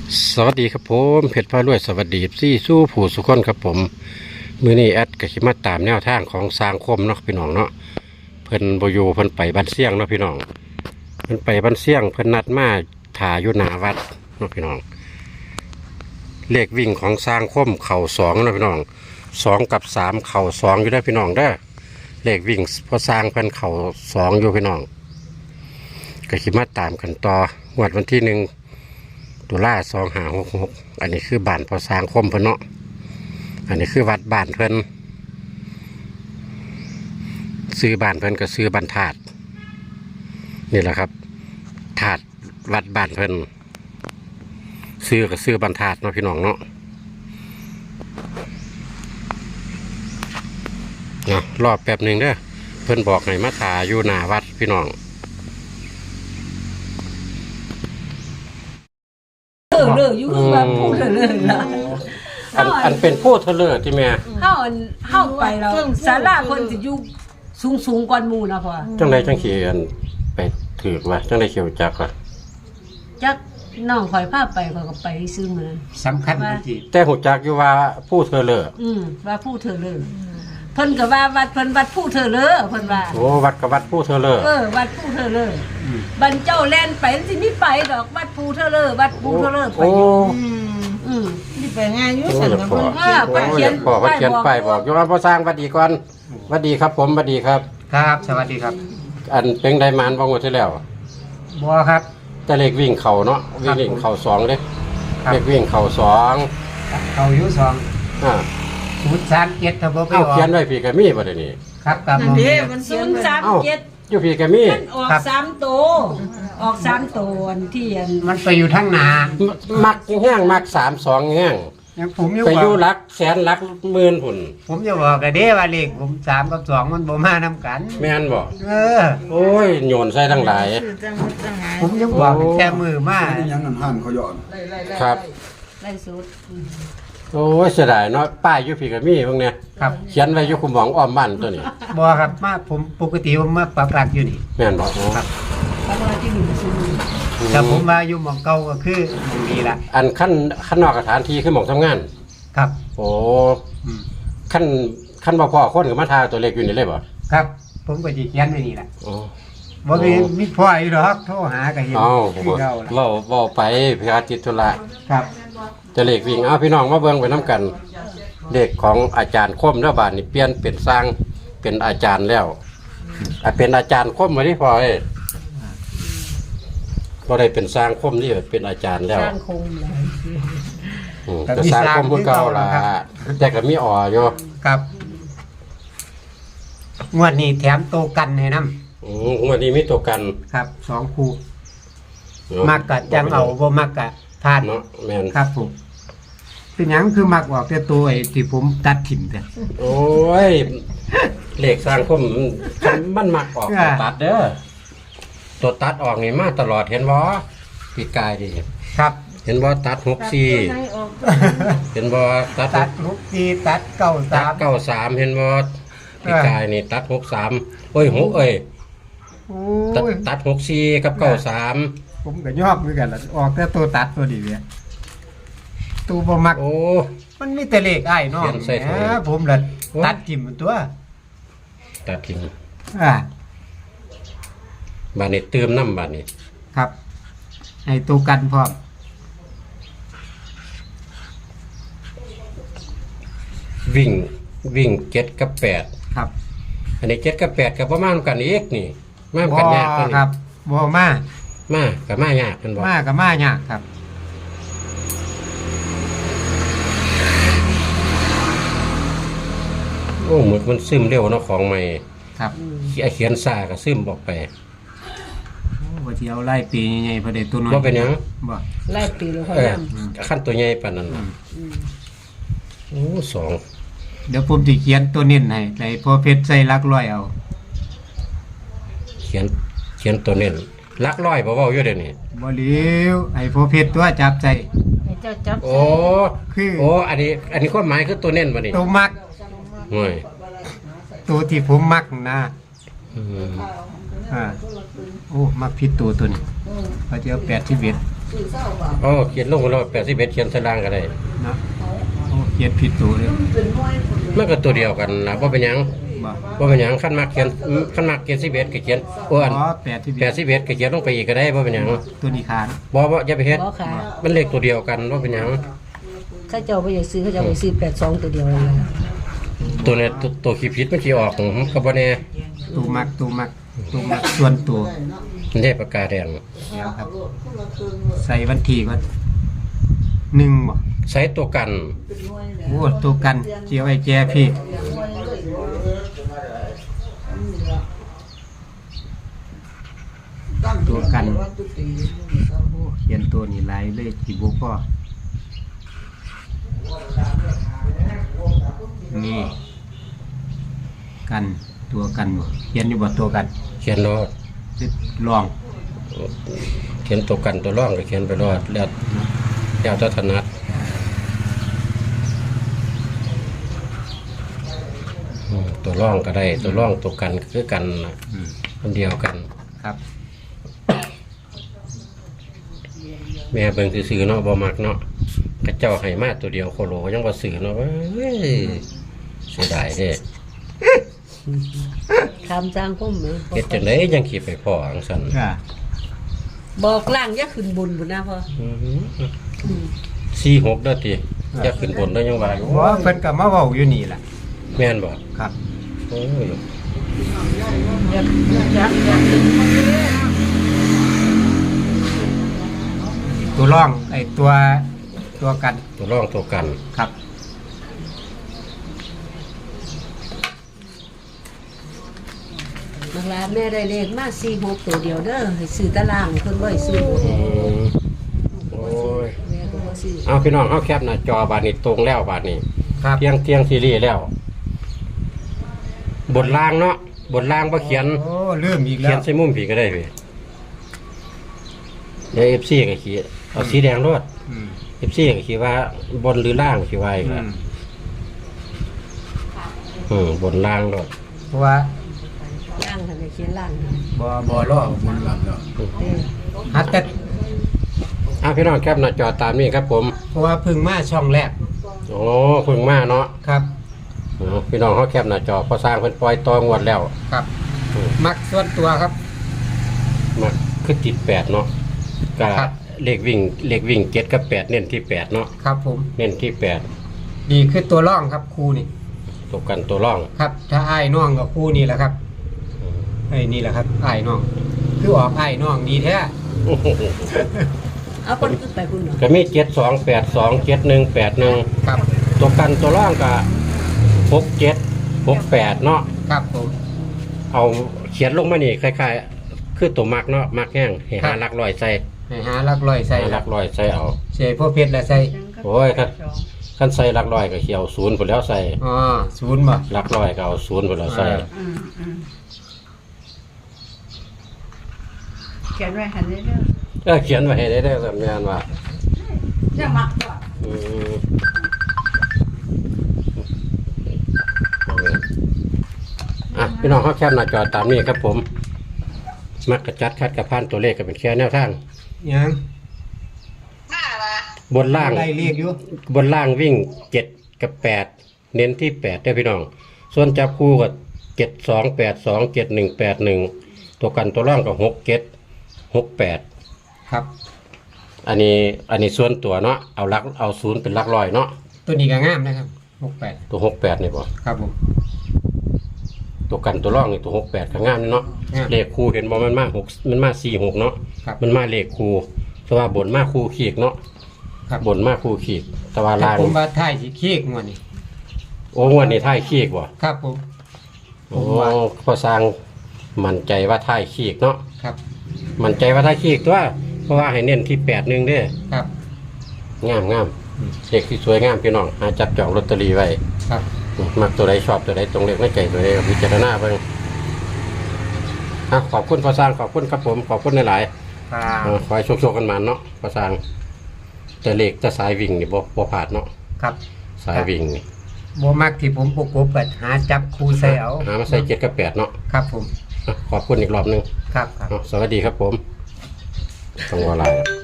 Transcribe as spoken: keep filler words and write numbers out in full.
สวัสดีครับผมเพชรพารวยสวัสดีซี่สู้ผู้สุขคนครับผมมือนี้แอดกสิมาตามแนวทางของสร้างคมเนาะพี่น้องเนาะเพิ่นบอยู่เพิ่นไปบ้านเสี่ยงเนาะพี่น้องเพิ่นไปบ้านเสี่ยงเพิ่นนัดมาถ่าอยู่หน้าวัดเนาะพี่น้องเลขวิ่งของสร้างคมเข่าสองเนาะพี่น้องสองกับสามเข่าสองอยู่ได้พี่น้องเด้อเลขวิ่งพอสร้างเพิ่นเข่าสองอยู่พี่น้องกสิมาตามกันต่องวดวันที่หนึ่งตุลาสองหาหกหกอันนี้คือบ้านพอสร้างคมเพิ่นเนาะอันนี้คือวัดบ้านเพิ่นซื้อบ้านเพิ่นก็ซื้อบ้านธาตุนี่แหละครับธาตุวัดบ้านเพิ่นซื้อก็ซื้อบ้านธาตุเนาะพี่น้องเนาะเนาะรอบแป๊บหนึ่งเด้อเพิ่นบอกให้มาถ่าอยู่หน้าวัดพี่น้องเออเลยอยู่คือว่าพูดเลยล่ะอันอันเป็นผู้เทเลอร์ที่แม่เฮาอันเฮาไปแล้วศาลาเพิ่นสิอยู่สูงๆกว่าหมู่นะพ่อจังไดจังขี้อันไปถือว่าจังไดเขียวจักว่าจักน้องข่อยพาไปข่อยก็ไปซื้อมื้อสำคัญจริงแต่หูจักอยู่ว่าผู้เทเลอร์อืมว่าผู้เธอเลยเพิ่นก็ว่าวัดเพิ่นวัดผู้เธอเลยเพิ่นว่าโอ้วัดกับวัดผู้เทเลอร์เออวัดผู้เธอเลยบันเจ้าแล่นไปสิมีไปดอกวัดผู้เธอเลยวัดผู้เธอเลยไปอยู่อืมนี่ไปง่ายอยู่สั่นกับเพิ่นว่าไปเขียนพ่อเขาเขียนป้ายบอกอยู่ว่าพ่อสร้างวัดดีก่อนวัดดีครับผมวัดดีครับครับสวัสดีครับอันเป็นไดมานบ่งวดที่แล้วบัวครับแต่เลขวิ่งเข่าเนาะวิ่งเข่าสองเด้เลขวิ่งเข่าสองเขาอยู่สองอ่าศูนย์สามเจ็ดถ้าบ่ไปออกเขียนไว้พี่ก็มีบ่ได้นี่ครับกับมนี่มันเขียนไว้สามเจ็ดอยู่พี่ก็มีมันออกสามตัวออกสามตัวอันที่อันมันไปอยู่ทั้งนามักแห้งมักสามสองแห้งยังผมอยู่ไปอยู่หลักแสนหลักหมื่นพุ่นผมจะบอกกันเด้ว่าเลขผมสามกับสองมันบ่มานํกันแม่นบ่เออโอ้ยโยนใส่ทั้งหลายผมยังบอกแค่มือมายังนั่นหั่นเขาย้อนครับไล่สุดโอ้ยเสียดายเนาะป้ายอยู่พี่ก็มีพวกเนี้ยครับเขียนไว้อยู่คุมหมองอ้อมบ้านตัวนี้บ่ครับมาผมปกติผมมาปักหลักอยู่นี่แม่นบ่ครับเพราะว่าที่อยู่ซุ่มแต่ผมมาอยู่หม่องเก่าก็คือหม่องนี้ล่ะอันขั้นขั้นนอกสถานที่คือหม่องทำงานครับโอ้ขั้นขั้นบ่พอคนก็มาทาตัวเล็กอยู่นี่เลยบ่ครับผมก็สิเขียนไว้นี่ล่ะอ๋อบ่มีมีพ่ออีดอกโทรหาก็เห็นคือเก่าล่ะเว้าเว้าไปเพื่อติดธุระครับจะเลขวิ่งเอาพี่น้องมาเบิ่งไปนํกันเลขของอาจารย์คมแล้วบาดนี้เปลี่ยนเป็นสร้างเป็นอาจารย์แล้วอ่ะเป็นอาจารย์คมบ่ได้พอเอ้บ่ได้เป็นสร้างคมนี่เป็นอาจารย์แล้วสร้างคงแล้วอืมก็สร้างคมคือเก่าล่ะแต่ก็มีอ่ออยู่ครับงวดนี้แถมโตกันให้นำอืมงวดนี้มีตัวกันครับสองคู่มักกะจังเอาบ่มักกะพลาดเนาะแม่นครับผมเป็นหยังคือมักออกแต่ตัวไอ้ที่ผมตัดถิ่มแต่โอ้ยเลขสร้างคมมันมักออกตัวตัดเด้อตัวตัดออกนี่มาตลอดเห็นบ่ปีกายดิครับเห็นบ่ตัดหกสี่เห็นบ่ตัดตัดหกสี่ตัดเก้าสามเก้าสามเห็นบ่ปีกายนี่ตัดหกสามโอ้ยหกเอ้ยตัดตัดหกสี่กับเก้าสามผมก็ยอกเหมือนกันล่ะออกแต่ตัวตัดตัวดีเนี่ยตัวบ่มักโอ้มันมีแต่เลขอ้ายน้องนะผมล่ะตัดทิ่มตัวตัดทิ่มอ่าบาดนี้เติมน้ำบาดนี้ครับให้ตัวกันพร้อมวิ่งวิ่งเจ็ดกับแปดครับอันนี้เจ็ดกับแปดกับประมาณกันอีกนี่มากันยากตัวนี้ครับบ่มามากับมายากกันบ่มากับมายากครับโอ้เหมือนมันซึมเร็วเนาะของใหม่ครับเขียนซ่าก็ซึมออกไปโอ้บ่สิเอาไล่ปีใหญ่ๆพอได้ตัวน้อยบ่เป็นหยังบ่ไล่ปีแล้วค่อยนำขั้นตัวใหญ่ปานนั้นโอ้สองเดี๋ยวผมสิเขียนตัวเน้นให้ให้พอเพชรใส่หลักร้อยเอาเขียนเขียนตัวเน้นหลักร้อยบ่เว้าอยู่เดี๋ยวนี้บ่เหลียวให้พอเพชรตัวจับใจให้เจ้าจับโอ้คือโอ้อันนี้อันนี้ความหมายคือตัวเน้นบ่นี่ตัวมักโอ้ยตัวที่ผมมักนะอืมอ่าโอ้มักผิดตัวตัวนี้เขาจะเอาแปดสิบเอ็ดสื่อเศร้าบ่าอ๋อเขียนลงมาแล้วแปดสิบเอ็ดเขียนใส่ล่างก็ได้เนาะโอ้เขียนผิดตัวเลยเป็นน้อยคนเลยมันก็ตัวเดียวกันนะว่าเป็นหยังบ่ว่าเป็นหยังขั้นมากเขียนขั้นมากเขียนสิบเอ็ดก็เขียนโอ้อันอ๋อแปดที่แปดสิบเอ็ดก็เขียนลงไปอีกก็ได้ว่าเป็นหยังตัวนี้ขาดบ่บ่อย่าไปเฮ็ดบ่ค่ะมันเลขตัวเดียวกันว่าเป็นหยังข้าเจ้าไปอยากซื้อข้าเจ้าไปซื้อแปดสองตัวเดียวเลยนะตัวเนี้ตัวตัวขี้ผิดมันสิออกหืมก็บ่แน่ตัวมักตัวมักตัวมักส่วนตัวมันได้ปากกาแดงแล้วครับ ใส่วันที่ก่อนหนึ่งบ่ใช้ตัวกันโอ้ตัวกันเจียวไอ้แจพี่ตัวกันโอ้เขียนตัวนี่ลายเลยที่บุพ่อนี่กันตัวกันบ่เขียนอยู่บ่ตัวกันเขียนรอดลองเขียนตัวกันตัวร่องก็เขียนไปรอดแล้วแล้วแต่ถนัดอืมตัวร่องก็ได้ตัวร่องตัวกันก็คือกันน่ะอืมอันเดียวกันครับแม่เบิ่งซื่อๆเนาะบ่มักเนาะกระเจ้าให้มาตัวเดียวโคโลยังบ่ซื้อเนาะเว้ยเสียดายเด้ทำจางก้มไหมเฮ็ดจังได๋ยังขี่ไปพ่ออังซั่นก็บอกล่างอย่าขึ้นบนบุญนะพ่ออือหืออืมสี่หกเด้อติจะขึ้นบนได้ยังว่าอยู่บ่เพิ่นก็มาเว้าอยู่นี่ล่ะแม่นบ่ครับโอ้ยอย่าอย่าอย่าอย่าขึ้นบนเลยตัวร่องไอ้ตัวตัวกันตัวร่องตัวกันครับนักลาแม่ได้เลขมาสี่หกตัวเดียวเด้อให้ซื้อตารางเพิ่นบ่ให้ซื้ออืมโอ้ยแม่ก็บ่ซื้อเอาพี่น้องเอาแคปหน้าจอบาดนี้ตรงแล้วบาดนี้ครับเที่ยงเที่ยงซีรีส์แล้ว บนล่างเนาะบนล่างบ่เขียนโอ้ลืมอีกเขีแล้ยนวใส่มุมผีก็ได้พี่เดี๋ยว เอฟ ซี ก็ขีดเอาสีแดงรวดอืมเอฟ ซี ก็ขีดว่าบนหรือล่างขีดว่าอีกอืแล้วมอืมบนล่างรวดเพราะว่าล่างทำไมเขียนล่างบ่บ่บ่ล่อบนหลังแล้วเด้อฮัดแต่อ่ะพี่น้องแคปหน้าจอตามนี้ครับผมเพราะว่าเพิ่งมาช่องแรกโอ้เพิ่งมาเนาะครับเอาพี่น้องเขาแคปหน้าจอพอสร้างเพิ่นปล่อยต่องวดแล้วครับอืมมักส่วนตัวครับมาคือติดแปดเนาะก็ครับเลขวิ่งเลขวิ่งเจ็ดกับแปดเน้นที่แปดเนาะครับผมเน้นที่แปดนี่คือตัวร่องครับครูนี่ตัวกันตัวร่องครับ ถ้าอ้ายน้องกับครูนี่แหละครับไอ้นี่แหละครับอ้ายน้องคือออกอ้ายน้องดีแท้เอาคนขึ้นไปคุณเหรอก็มีเจ็ดสองแปดสองเจ็ดหนึ่งแปดหนึ่งครับตัวกันตัวร่องก็หกเจ็ดหกแปดเนาะครับผมเอาเขียนลงมานี่คล้ายๆคือตัวมักเนาะมักแห้งให้หาหลักลอยใส่ให้หาหลักร้อยใส่หาหลักลอยใส่เอาใส่พวกเพชรและใส่โอ้ยครับขั้นใส่หลักลอยก็เขียวศูนย์ไปแล้วใส่อ๋อศูนย์บ่หลักลอยก็เอาศูนย์ไปแล้วใส่อืมอืมเขียนไว้หันเด้อก็เขียนไว้ให้ได้ได้สัญญาณว่าจะมักก่อนอืมอ่ะพี่น้องเขาแคปหน้าจอตามนี้ครับผม มักกระจัดคัดกระพานตัวเลขก็เป็นแค่แนวทางยังบนล่างไล่เรียกอยู่บนล่างวิ่งเจ็ดกับแปดเน้นที่แปดได้อพี่น้อง ส่วนจับคู่กับเจ็ดสองแปดสองเจ็ดหนึ่งแปดหนึ่งตัวกันตัวร่องกับหกเจ็ดหกแปดครับอันนี้อันนี้ส่วนตัวเนาะเอาลักเอาศูนย์เป็นลักลอยเนาะตัวนี้ก็งามนะครับหกแปดตัวหกแปดนี่ป่ะครับผมตัวกันตัวร่องนี่ตัวหกแปดข้างงามนี่เนาะงามเลขคู่เห็นบ่มันมาหกมันมาสี่หกเนาะครับมันมาเลขคู่แต่ว่าบนมาคู่ขีกเนาะครับบนมาคู่ขีกแต่ว่าแต่ล่างผมว่าท้ายสิขี้งวดนี้โอ้งวันนี้ท้ายขีกบ่ครับผม ผโอ้มว่าพอสร้างมั่นใจว่าท้ายขีกเนาะครับมั่นใจว่าท้ายขีกตัวเพราะว่าให้เน้นที่แปดหนึ่งเด้อครับงามงามอืมเลขที่สวยงามพี่น้องหาจับจองลอตเตอรี่ไว้ครับมักตัวใดชอบตัวใดตรงเลขในใจตัวใดก็พิจารณาเบิ่งอ่ะขอบคุณพอสร้างขอบคุณครับผมขอบคุณหลายๆครับเออขอให้โชคๆกันมาเนาะพอสร้างแต่เลขแต่สายวิ่งนี่บ่บ่ผาดเนาะครับสายวิ่งนี่บ่มักที่ผมประกบก็หาจับครูใส่เอาหามาใส่เจ็ดกับแปดเนาะครับผมอ่ะขอบคุณอีกรอบหนึงครับครับอ่ะสวัสดีครับผมต้องวาลาย